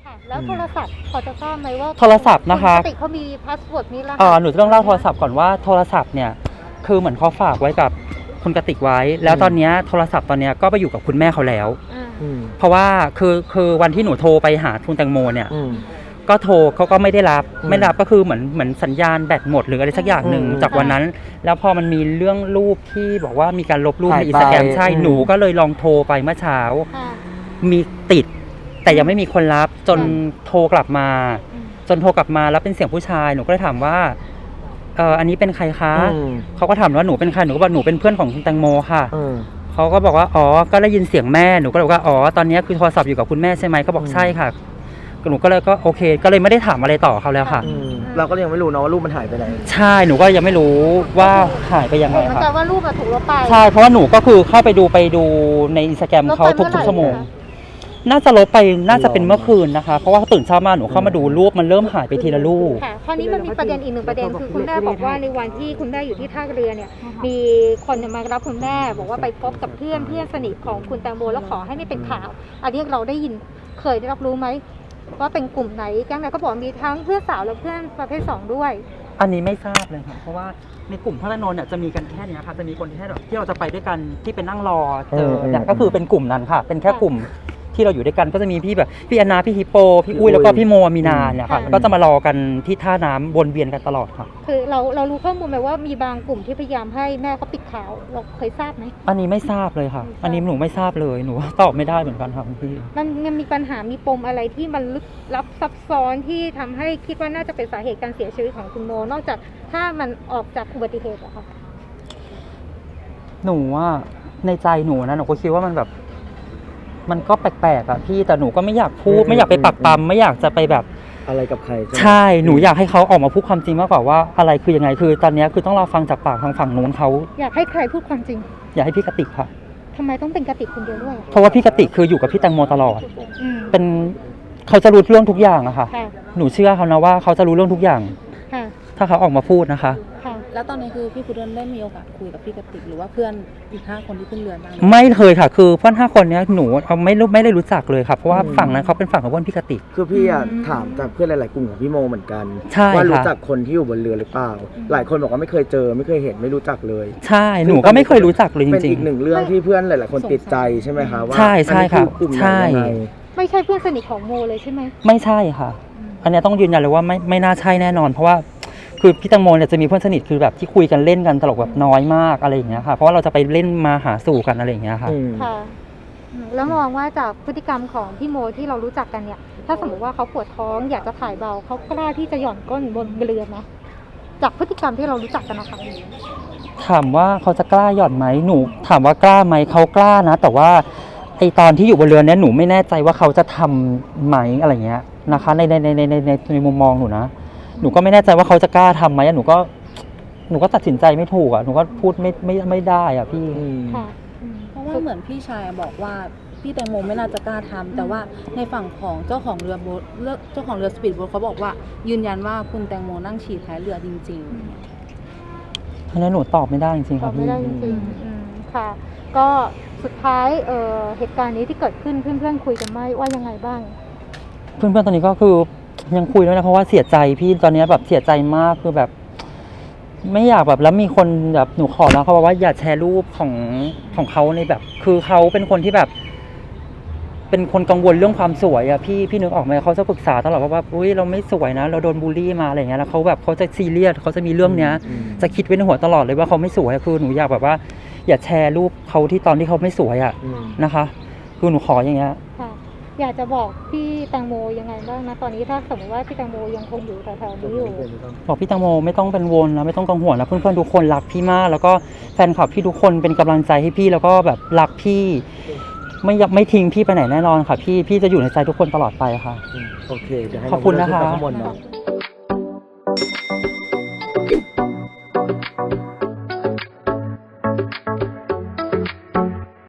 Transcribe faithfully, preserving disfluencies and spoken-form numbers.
ค่ะแล้วโทรศัพท์พอจะทราบไหมว่าโทรศัพท์นะคะปกติเขามีพาสเวิร์ดมีรหัสเอ่อหนูจะต้องเล่าโทรศัพท์ก่อนว่าโทรศัพท์เนี่ยคือเหมือนเขาฝากไว้กับคุณกติกไว้ แล้วตอนนี้โทรศัพท์ตอนนี้ก็ไปอยู่กับคุณแม่เขาแล้วเพราะว่าคือคือวันที่หนูโทรไปหาคุณแตงโมเนี่ยก็โทรเขาก็ไม่ได้รับไม่รับก็คือเหมือนเหมือนสัญญาณแบตหมดหรืออะไรสักอย่างหนึ่งจากวันนั้นแล้วพอมันมีเรื่องรูปที่บอกว่ามีการลบรูปในอินสตาแกรมใช่หนูก็เลยลองโทรไปเมื่อเช้ามีติดแต่ยังไม่มีคนรับจนโทรกลับมาจนโทรกลับมาแล้วเป็นเสียงผู้ชายหนูก็เลยถามว่าเอออันนี้เป็นใครคะเขาก็ถามว่าหนูเป็นใครหนูก็บอกหนูเป็นเพื่อนของคุณแตงโมค่ะเขาก็บอกว่าอ๋อก็ได้ยินเสียงแม่หนูก็เลยบอกว่าอ๋อตอนนี้คือโทรศัพท์อยู่กับคุณแม่ใช่ไหมเขาบอกใช่ค่ะหนูก็เลยก็โอเคก็เลยไม่ได้ถามอะไรต่อเขาแล้วค่ะเราก็ยังไม่รู้นะว่ารูปมันหายไปไหนใช่หนูก็ยังไม่รู้ว่าหายไปยังไงค่ะแต่ว่ารูปมันถูกลบไปใช่เพราะว่าหนูก็คือเข้าไปดูไปดูในอินสตาแกรมเขาทุกๆชั่วโมงน่าจะลบไปน่าจะเป็นเมื่อคืนนะคะเพราะว่าตื่นเช้ามาหนูเข้ามาดูรูปมันเริ่มหายไปทีละรูปค่ะคราวนี้มันมีประเด็นอีกหนึ่งประเด็นคือคุณแม่บอกว่าในวันที่คุณแม่อยู่ที่ท่าเรือเนี่ยมีคนมารับคุณแม่บอกว่าไปพบกับเพื่อนเพื่อนสนิทของคุณแตงโมแล้วขอให้ไม่เป็นข่าวอันนี้เราได้ยินเคยได้รับรู้ไหมว่าเป็นกลุ่มไหนแก๊งไหนก็บอกมีทั้งเพื่อนสาวและเพื่อนประเภทสองด้วยอันนี้ไม่ทราบเลยค่ะเพราะว่าในกลุ่มพระนนท์เนี่ยจะมีกันแค่นี้ค่ะจะมีคนแค่แบบที่เราจะไปด้วยกันที่เป็นนั่งรอเจอเนี่ยก็คือเป็นกลุ่มนั้นค่ะเป็นแค่กลุ่มที่เราอยู่ด้วยกันก็จะมีพี่แบบพี่แอนนาพี่ฮิปโปพี่อุ้ยแล้วก็พี่โมมีนาเนี่ยค่ะก็จะมารอกันที่ท่าน้ำวนเวียนกันตลอดค่ะคือเราเรารู้ข้อมูลไหมว่ามีบางกลุ่มที่พยายามให้แม่เขาปิดข่าวเราเคยทราบไหมอันนี้ไม่ทราบเลยค่ะอันนี้หนูไม่ทราบเลยหนูตอบไม่ได้เหมือนกันค่ะพี่มันมันมีปัญหามีปมอะไรที่มันลึกลับซับซ้อนที่ทำให้คิดว่าน่าจะเป็นสาเหตุการเสียชีวิตของคุณโมนอกจากถ้ามันออกจากอุบัติเหตุอะค่ะหนูว่าในใจหนูนะหนูก็คิดว่ามันแบบมันก็แปลกๆอ่ะพี่แต่หนูก็ไม่อยากพูดไม่อยากไปปักปั๊มไม่อยากจะไปแบบอะไรกับใครใช่หนูอยากให้เขาออกมาพูดความจริงมากกว่าว่าอะไรคือยังไงคือตอนนี้คือต้องรอฟังจากปากทางฝั่งนู้นเขาอยากให้ใครพูดความจริงอยากให้พี่กติกค่ะทำไมต้องเป็นกติกคนเดียวด้วยเพราะว่าพี่กติกคืออยู่กับพี่แตงโมตลอดเป็นเขาจะรู้เรื่องทุกอย่างอะค่ะหนูเชื่อเขานะว่าเขาจะรู้เรื่องทุกอย่างถ้าเขาออกมาพูดนะคะแล้วตอนนี้คือพี่พุดเดิ้ลได้มีโอกาสคุยกับพี่กติกหรือว่าเพื่อนอีกห้าคนที่ขึ้นเรือบ้างไม่เคยค่ะคือเพื่อนห้าคนนี้หนูเขาไม่รู้ไม่ได้รู้จักเลยค่ะเพราะว่าฝั่งนั้นเขาเป็นฝั่งของเพื่อนพี่กติกคือพี่อะถามจากเพื่อนหลายๆกลุ่มของพี่โมเหมือนกันว่ารู้จักคนที่อยู่บนเรือหรือเปล่าหลายคนบอกว่าไม่เคยเจอไม่เคยเห็นไม่รู้จักเลยใช่หนูก็ไม่เคยรู้จักเลยจริงๆเป็นอีกหนึ่งเรื่องที่เพื่อนหลายๆคนติดใจใช่ไหมคะว่าใช่ใช่ค่ะใช่ไม่ใช่เพื่อนสนิทของโมเลยใช่ไหมไม่ใช่ค่ะอันนี้ต้องยืนยันเลยว่าไม่ไม่น่าใช่แน่นอนเพราะว่าคือพี่แตงโมเนี่ยจะมีเพื่อนสนิทคือแบบที่คุยกันเล่นกันตลกแบบน้อยมากอะไรอย่างเงี้ยค่ะเพราะว่าเราจะไปเล่นมาหาสู่กันอะไรอย่างเงี้ยค่ะค่ะแล้วมองว่าจากพฤติกรรมของพี่โมที่เรารู้จักกันเนี่ยถ้าสมมติว่าเขาปวดท้องอยากจะถ่ายเบาเขากล้าที่จะหย่อนก้นบนเรือไหมจากพฤติกรรมที่เรารู้จักกันนะคะถามว่าเขาจะกล้าหย่อนไหมหนูถามว่ากล้าไหมเขากล้านะแต่ว่าไอตอนที่อยู่บนเรือเนี่ยหนูไม่แน่ใจว่าเขาจะทำไหมอะไรเงี้ยนะคะในในในในในในมุมมองหนูนะหนูก็ไม่แน่ใจว่าเขาจะกล้าทำไหมหนูก็หนูก็ตัดสินใจไม่ถูกอ่ะหนูก็พูดไม่ไม่ไม่ได้อ่ะพี่เพราะว่าเหมือนพี่ชายบอกว่าพี่แตงโมไม่น่าจะกล้าทำแต่ว่าในฝั่งของเจ้าของเรือโบ๊ทเจ้าของเรือสปีดโบ๊ทเขาบอกว่ายืนยันว่าคุณแตงโมนั่งฉี่ท้ายเรือจริงๆอันนี้หนูตอบไม่ได้จริงๆค่ะพี่ตอบไม่ได้จริงๆค่ะก็สุดท้ายเอ่อเหตุการณ์นี้ที่เกิดขึ้นเพื่อนๆคุยกันไหมว่ายังไงบ้างเพื่อนๆตอนนี้ก็คือยังคุยด้วยนะเพราะว่าเสียใจพี่ตอนนี้แบบเสียใจมากคือแบบไม่อยากแบบแล้วมีคนแบบหนูขอแล้วเขาบอกว่าอย่าแชร์รูปของของเขาในแบบคือเขาเป็นคนที่แบบเป็นคนกังวลเรื่องความสวยอะพี่พี่นึกออกไหมเขาจะปรึกษาตลอดว่าอุ้ยเราไม่สวยนะเราโดนบูลลี่มาอะไรเงี้ยแล้วเขาแบบเขาจะซีเรียสเขาจะมีเรื่องเนี้ยจะคิดไว้ในหัวตลอดเลยว่าเขาไม่สวยคือหนูอยากแบบว่าอย่าแชร์รูปเขาที่ตอนที่เขาไม่สวยอะนะคะคือหนูขออย่างเงี้ยอยากจะบอกพี่แตงโมยังไงบ้างนะตอนนี้ถ้าสมมติว่าพี่แตงโมยังคงอยู่แถวๆนี้อยู่บอกพี่แตงโมไม่ต้องเป็นวนนะไม่ต้องกังวลนะเพื่อนๆทุกคนรักพี่มากแล้วก็แฟนคลับพี่ทุกคนเป็นกำลังใจให้พี่แล้วก็แบบรักพี่ไม่ไม่ทิ้งพี่ไปไหนแน่นอนค่ะพี่พี่จะอยู่ในใจทุกคนตลอดไปค่ะโอเคขอบคุณนะคะ